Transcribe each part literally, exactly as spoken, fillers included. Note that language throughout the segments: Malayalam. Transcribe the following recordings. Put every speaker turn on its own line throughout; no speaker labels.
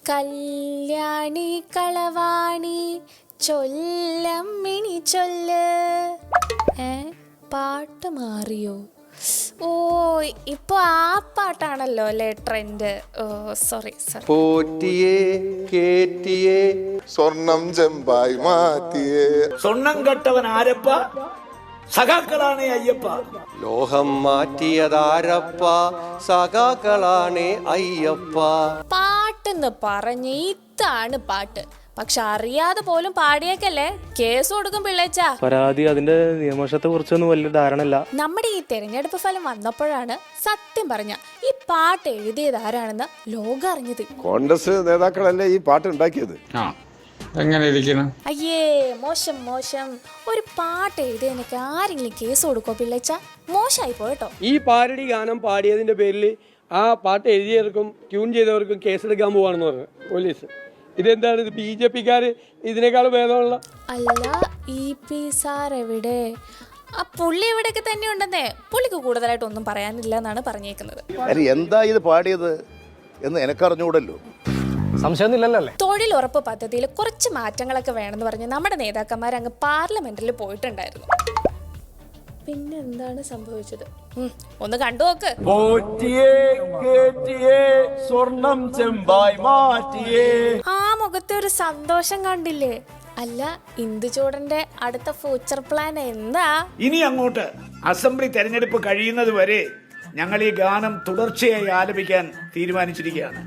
കല്യാണി കളവാണി ചൊല്ലമ്മിണി ചൊല്ല്. ഏ പാട്ട് മാറിയോ? ഓ ഇപ്പൊ ആ പാട്ടാണല്ലോ അല്ലേ ട്രെൻഡ്. ഓ സോറി സോറി.
പോറ്റിയേ കേറ്റിയേ സ്വർണം ചെമ്പായി മാറ്റിയേ.
സ്വർണം കെട്ടവൻ ആരപ്പ? സഖാക്കളാണ് അയ്യപ്പ.
ലോഹം മാറ്റിയതാരപ്പ? സഖാക്കളാണ് അയ്യപ്പ.
പാട്ടെന്ന് പറഞ്ഞ് ഇതാണ് പാട്ട്. പക്ഷെ അറിയാതെ പോലും പാടിയേക്കല്ലേ കേസ് കൊടുക്കും പിള്ളേച്ചാ.
പരാതി അതിന്റെ നിയമവശത്തെ കുറിച്ചൊന്നും വലിയ ധാരണയില്ല.
നമ്മുടെ ഈ തെരഞ്ഞെടുപ്പ് ഫലം വന്നപ്പോഴാണ് സത്യം പറഞ്ഞ ഈ പാട്ട് എഴുതിയത് ആരാണെന്ന് ലോകം അറിഞ്ഞത്.
കോൺഗ്രസ് നേതാക്കളല്ലേ ഈ പാട്ട് ഉണ്ടാക്കിയത്.
എങ്ങനെ ഇരിക്കണം?
അയ്യേ മോശം മോശം. ഒരു പാട്ട് എഴുതിയതിനൊക്കെ ആരെങ്കിലും കേസ് കൊടുക്കോ പിള്ളേച്ച? മോശമായി പോയിട്ടോ.
ഈ പാരഡി ഗാനം പാടിയതിന്റെ പേരിൽ ആ പാട്ട് എഴുതിയവർക്കും ട്യൂൺ ചെയ്തവർക്കും കേസെടുക്കാൻ പോവാണെന്ന് പറഞ്ഞു പോലീസ്. ഇതെന്താണ് ഇത്? ബി ജെ പിക്കാര് ഇതിനേക്കാൾ ഭേദമുള്ള.
അല്ല ഇ പി സാർ എവിടെ? ആ പുള്ളി എവിടെയൊക്കെ തന്നെ ഉണ്ടെന്നേ. പുള്ളിക്ക് കൂടുതലായിട്ട് ഒന്നും പറയാനില്ല എന്നാണ് പറഞ്ഞേക്കുന്നത്.
എന്താ ഇത് പാടിയത് എന്ന് എനക്കറിഞ്ഞൂടല്ലോ.
സംശയമൊന്നുമില്ലല്ലേ?
തൊഴിലുറപ്പ് പദ്ധതിയിൽ കുറച്ച് മാറ്റങ്ങളൊക്കെ വേണമെന്ന് പറഞ്ഞ് നമ്മുടെ നേതാക്കന്മാർ അങ്ങ് പാർലമെന്റിൽ പോയിട്ടുണ്ടായിരുന്നു. പിന്നെ എന്താണ് സംഭവിച്ചത് ഒന്ന് കണ്ടു നോക്ക്. ആ മുഖത്തെ ഒരു സന്തോഷം കണ്ടില്ലേ? അല്ല ഇന്ദുചൂടന്റെ അടുത്ത ഫ്യൂച്ചർ പ്ലാൻ എന്താ?
ഇനി അങ്ങോട്ട് അസംബ്ലി തെരഞ്ഞെടുപ്പ് കഴിയുന്നത് വരെ ഞങ്ങൾ ഈ ഗാനം തുടർച്ചയായി ആലപിക്കാൻ തീരുമാനിച്ചിരിക്കുകയാണ്.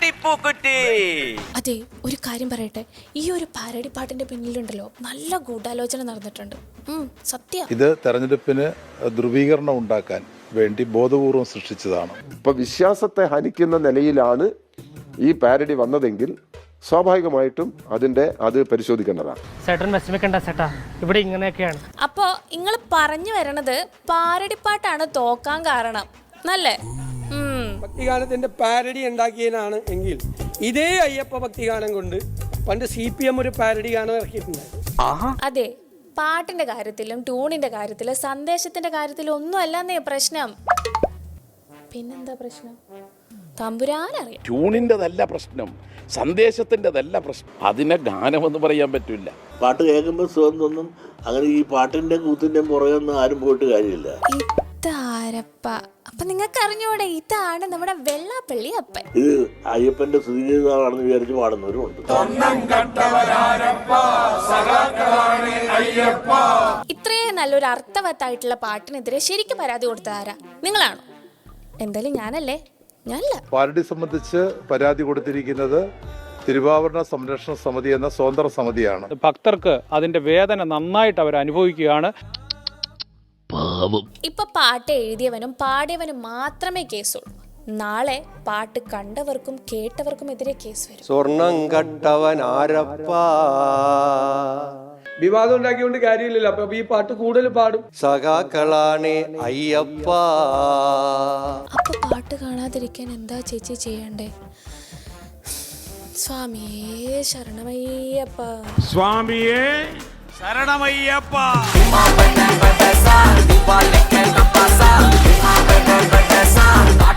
അതെ ഒരു കാര്യം പറയട്ടെ, ഈ ഒരു പാരഡി പാട്ടിന്റെ പിന്നിലുണ്ടല്ലോ നല്ല ഗൂഢാലോചന നടന്നിട്ടുണ്ട്. സത്യം.
ഇത് തെരഞ്ഞെടുപ്പിന് ധ്രുവീകരണം ഉണ്ടാക്കാൻ വേണ്ടി ബോധപൂർവം സൃഷ്ടിച്ചതാണ്.
ഇപ്പൊ വിശ്വാസത്തെ ഹനിക്കുന്ന നിലയിലാണ് ഈ പാരഡി വന്നതെങ്കിൽ സ്വാഭാവികമായിട്ടും അതിന്റെ അത് പരിശോധിക്കേണ്ടതാണ്.
ഇവിടെ ഇങ്ങനെയൊക്കെയാണ്.
അപ്പോ നിങ്ങൾ പറഞ്ഞു വരണത് പാരഡിപ്പാട്ടാണ് തോക്കാൻ കാരണം നല്ലേ?
ഭക്തിഗാനത്തിന്റെ പാരഡി ഉണ്ടാക്കിയതിനാണ് എങ്കിൽ ഇതേ അയ്യപ്പ ഭക്തിഗാനം കൊണ്ട് പണ്ട് സി പി എം ഒരു പാരഡി ഗാനം ഇറക്കിയിട്ടുണ്ടായിരുന്നു.
അതെ പാട്ടിന്റെ കാര്യത്തിലും ട്യൂണിന്റെ കാര്യത്തിലും സന്ദേശത്തിന്റെ കാര്യത്തിലും ഒന്നും അല്ലെന്നേ പ്രശ്നം. പിന്നെന്താ പ്രശ്നം? തമ്പുരാനറിയാം.
ട്യൂണിൻ്റെതല്ല പ്രശ്നം, സന്ദേശത്തിൻ്റെതല്ല പ്രശ്നം. അതിനെ ഗാനമെന്ന് പറയാൻ പറ്റില്ല.
പാട്ട് കേൾക്കുമ്പോൾ സുഖം തോന്നും. അങ്ങനെ ഈ പാട്ടിന്റെ കൂത്തിന്റെ പുറകെയൊന്നും ആരും പോയിട്ട് കാര്യമില്ല.
ഇതാരപ്പ? അപ്പൊ നിങ്ങൾക്ക് അറിഞ്ഞൂടെ ഇതാണ് നമ്മുടെ വെള്ളാപ്പള്ളി അപ്പൻ.
ഇത് അയ്യപ്പന്റെ സുധീതാണെന്ന് വിചാരിച്ച് പാടുന്നവരും ഉണ്ട്.
ഇത്രയും നല്ലൊരു അർത്ഥവത്തായിട്ടുള്ള പാട്ടിനെതിരെ ശരിക്കും പരാതി കൊടുത്ത ആരാ? നിങ്ങളാണോ? എന്തായാലും ഞാനല്ലേ? ഞാനല്ല.
പാരഡി സംബന്ധിച്ച് പരാതി കൊടുത്തിരിക്കുന്നത് തിരുവാഭരണ സംരക്ഷണ സമിതി എന്ന സ്വതന്ത്ര സമിതിയാണ്.
ഭക്തർക്ക് അതിന്റെ വേദന നന്നായിട്ട് അവർ അനുഭവിക്കുകയാണ്.
ഇപ്പൊ പാട്ട് എഴുതിയവനും പാടിയവനും മാത്രമേ കേസുള്ളൂ. നാളെ പാട്ട് കണ്ടവർക്കും കേട്ടവർക്കും എതിരെ കേസ് വരും.
സ്വർണം കട്ടവൻ ആരപ്പ?
വിവാദം ഉണ്ടാക്കിയോണ്ട് കാര്യമില്ലല്ലോ. അപ്പൊ ഈ പാട്ട് കൂടുതൽ പാടും.
സഖാക്കളാണ് അയ്യപ്പ.
അപ്പൊ പാട്ട് കാണാതിരിക്കാൻ എന്താ ചേച്ചി ചെയ്യണ്ടേ? സ്വാമിയേ ശരണമയ്യപ്പ.
സ്വാമിയേ ശരണമയ്യപ്പ.